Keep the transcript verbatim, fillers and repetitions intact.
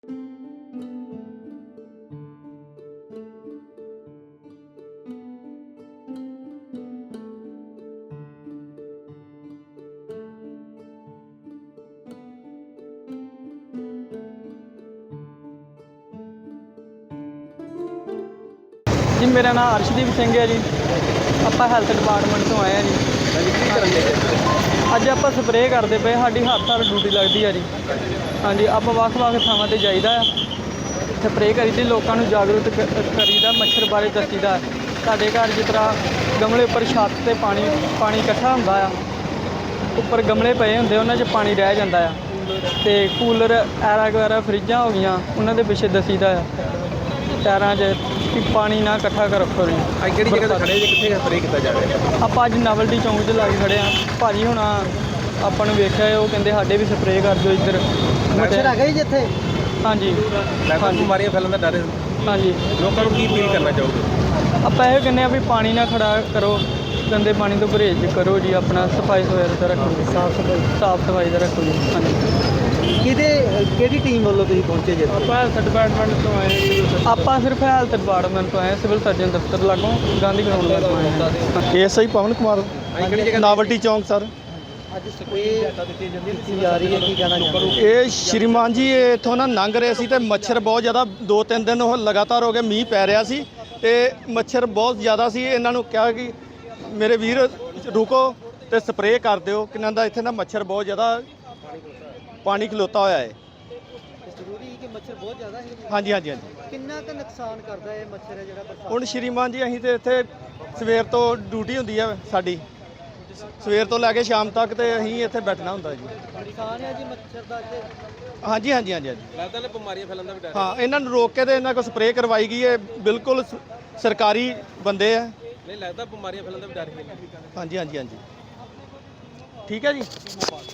जी मेरा नाम अर्शदीप सिंह है जी। ਆਪਾਂ ਹੈਲਥ ਡਿਪਾਰਟਮੈਂਟ ਤੋਂ ਆਏ ਆ ਜੀ। ਅੱਜ ਆਪਾਂ ਸਪਰੇਅ ਕਰਦੇ ਪਏ, ਸਾਡੀ ਹਰ ਸਾਲ ਡਿਊਟੀ ਲੱਗਦੀ ਆ ਜੀ। ਹਾਂਜੀ, ਆਪਾਂ ਵੱਖ-ਵੱਖ ਥਾਵਾਂ ਤੇ ਜਾਈਦਾ ਆ, ਸਪਰੇਅ ਕਰੀਦੀ, ਲੋਕਾਂ ਨੂੰ ਜਾਗਰੂਕ ਕਰੀਦਾ, ਮੱਛਰ ਬਾਰੇ ਦੱਸੀਦਾ। ਸਾਡੇ ਘਰ ਜਿਸ ਤਰ੍ਹਾਂ ਗਮਲੇ ਉੱਪਰ ਛੱਤ 'ਤੇ ਪਾਣੀ ਪਾਣੀ ਇਕੱਠਾ ਹੁੰਦਾ ਆ, ਉੱਪਰ ਗਮਲੇ ਪਏ ਹੁੰਦੇ, ਉਹਨਾਂ 'ਚ ਪਾਣੀ ਰਹਿ ਜਾਂਦਾ ਆ, ਅਤੇ ਕੂਲਰ ਐਰਾ ਵਗੈਰਾ ਫਰਿੱਜਾਂ ਹੋ ਗਈਆਂ, ਉਹਨਾਂ ਦੇ ਪਿੱਛੇ ਦੱਸੀਦਾ ਆ ਟਾਇਰਾਂ 'ਚ ਕਿ ਪਾਣੀ ਨਾ ਇਕੱਠਾ ਕਰ ਰੱਖੋ ਜੀ। ਅੱਜ ਕਿਹੜੀ ਜਗ੍ਹਾ 'ਤੇ ਖੜੇ ਜੀ, ਕਿੱਥੇ ਸਪਰੇਅ ਕੀਤਾ ਜਾ ਰਿਹਾ? ਆਪਾਂ ਅੱਜ ਨਾਵਲਟੀ ਚੌਂਕ 'ਚ ਲਾ ਕੇ ਖੜੇ ਹਾਂ। ਭਾਜੀ ਹੁਣ ਆਪਾਂ ਨੂੰ ਵੇਖਿਆ, ਉਹ ਕਹਿੰਦੇ ਸਾਡੇ ਵੀ ਸਪਰੇਅ ਕਰ ਦਿਓ ਇੱਧਰ। ਮੱਛਰ ਹੈਗਾ ਜੀ ਜਿੱਥੇ? ਹਾਂਜੀ ਲੱਗਦਾ ਬਿਮਾਰੀਆਂ ਫੈਲਣ ਦਾ ਡਰ ਹੈ। ਹਾਂਜੀ, ਲੋਕਾਂ ਨੂੰ ਕੀ ਅਪੀਲ ਕਰਨਾ ਚਾਹੋਗੇ? ਆਪਾਂ ਇਹ ਕਹਿੰਦੇ ਆ ਵੀ ਪਾਣੀ ਨਾ ਖੜਾ ਕਰੋ, ਗੰਦੇ ਪਾਣੀ ਤੋਂ ਪਰਹੇਜ਼ ਕਰੋ ਜੀ, ਆਪਣਾ ਸਫਾਈ ਸੁਥਰਾ ਦਾ ਰੱਖੋ ਜੀ, ਸਾਫ ਸਫਾਈ ਸਾਫ ਸਫਾਈ ਦਾ ਰੱਖੋ ਜੀ। ਹਾਂਜੀ, ਕਿਹਦੇ ਕਿਹੜੀ ਟੀਮ ਵੱਲੋਂ ਤੁਸੀਂ ਪਹੁੰਚੇ ਜੀ? ਆਪਾਂ ਹੈਲਥ ਡਿਪਾਰਟਮੈਂਟ ਤੋਂ ਆਏ। ਆਪਾਂ ਸਿਰਫ ਹੈਲਥ ਡਿਪਾਰਟਮੈਂਟ ਤੋਂ ਆਏ, ਸਿਵਲ ਸਰਜਨ ਦਫ਼ਤਰ ਲਾਗੋਂ ਗਾਂਧੀ ਗਰਾਊਂਡ ਤੋਂ ਆਏ ਹਾਂ। ਐਸ ਆਈ ਪਵਨ ਕੁਮਾਰ, ਅੱਜ ਕਿਹੜੀ ਜਗ੍ਹਾ ਨਾਵਲਟੀ ਚੌਂਕ ਸਰ। ਅੱਜ ਸਪਰੇਅ ਕੀਤੀ ਜਾ ਰਹੀ ਹੈ, ਕੀ ਕਹਿਣਾ ਚਾਹੁੰਦੇ? ਇਹ ਸ਼੍ਰੀਮਾਨ ਜੀ ਇੱਥੋਂ ਨਾ ਲੰਘ ਰਹੇ ਸੀ ਤੇ ਮੱਛਰ ਬਹੁਤ ਜ਼ਿਆਦਾ, ਦੋ ਤਿੰਨ ਦਿਨ ਉਹ ਲਗਾਤਾਰ ਹੋ ਗਏ, ਮੀਂਹ ਪੈ ਰਿਹਾ ਸੀ ਤੇ ਮੱਛਰ ਬਹੁਤ ਜ਼ਿਆਦਾ ਸੀ। ਇਹਨਾਂ ਨੂੰ ਕਿਹਾ ਕਿ ਮੇਰੇ ਵੀਰ ਰੁਕੋ ਤੇ ਸਪਰੇਅ ਕਰ ਦਿਓ, ਕਿਨਾਂ ਦਾ ਇੱਥੇ ਨਾ ਮੱਛਰ ਬਹੁਤ ਜ਼ਿਆਦਾ ਪਾਣੀ ਖਲੋਤਾ ਹੋਇਆ ਹੈ। ਜ਼ਰੂਰੀ ਹੈ ਕਿ ਮੱਛਰ ਬਹੁਤ ਜ਼ਿਆਦਾ ਹੈ? ਹਾਂਜੀ ਹਾਂਜੀ ਹਾਂਜੀ। ਕਿੰਨਾ ਕੁ ਨੁਕਸਾਨ ਕਰਦਾ ਹੈ ਮੱਛਰ ਹੈ ਜਿਹੜਾ ਬਰਸਾਤ? ਹੁਣ ਸ਼੍ਰੀਮਾਨ ਜੀ ਅਸੀਂ ਤੇ ਇੱਥੇ ਸਵੇਰ ਤੋਂ ਡਿਊਟੀ ਹੁੰਦੀ ਹੈ ਸਾਡੀ, ਸਵੇਰ ਤੋਂ ਲੈ ਕੇ ਸ਼ਾਮ ਤੱਕ ਤੇ ਅਸੀਂ ਇੱਥੇ ਬੈਠਣਾ ਹੁੰਦਾ ਜੀ। ਨੁਕਸਾਨ ਹੈ ਜੀ ਮੱਛਰ ਦਾ ਇੱਥੇ? ਹਾਂਜੀ ਹਾਂਜੀ ਹਾਂਜੀ ਹਾਂਜੀ। ਲੱਗਦਾ ਨੇ ਬਿਮਾਰੀਆਂ ਫੈਲਣ ਦਾ ਵੀ ਡਰ? ਹਾਂ, ਇਹਨਾਂ ਨੂੰ ਰੋਕ ਕੇ ਤੇ ਇਹਨਾਂ ਕੋਲ ਸਪਰੇਅ ਕਰਵਾਈ ਗਈ ਹੈ। ਬਿਲਕੁਲ ਸ- ਸਰਕਾਰੀ ਬੰਦੇ ਆ। ਨਹੀਂ ਲੱਗਦਾ ਬਿਮਾਰੀਆਂ ਫੈਲਣ ਦਾ ਵੀ ਡਰ ਹੈ? ਹਾਂਜੀ ਹਾਂਜੀ ਹਾਂਜੀ, ਠੀਕ ਹੈ ਜੀ।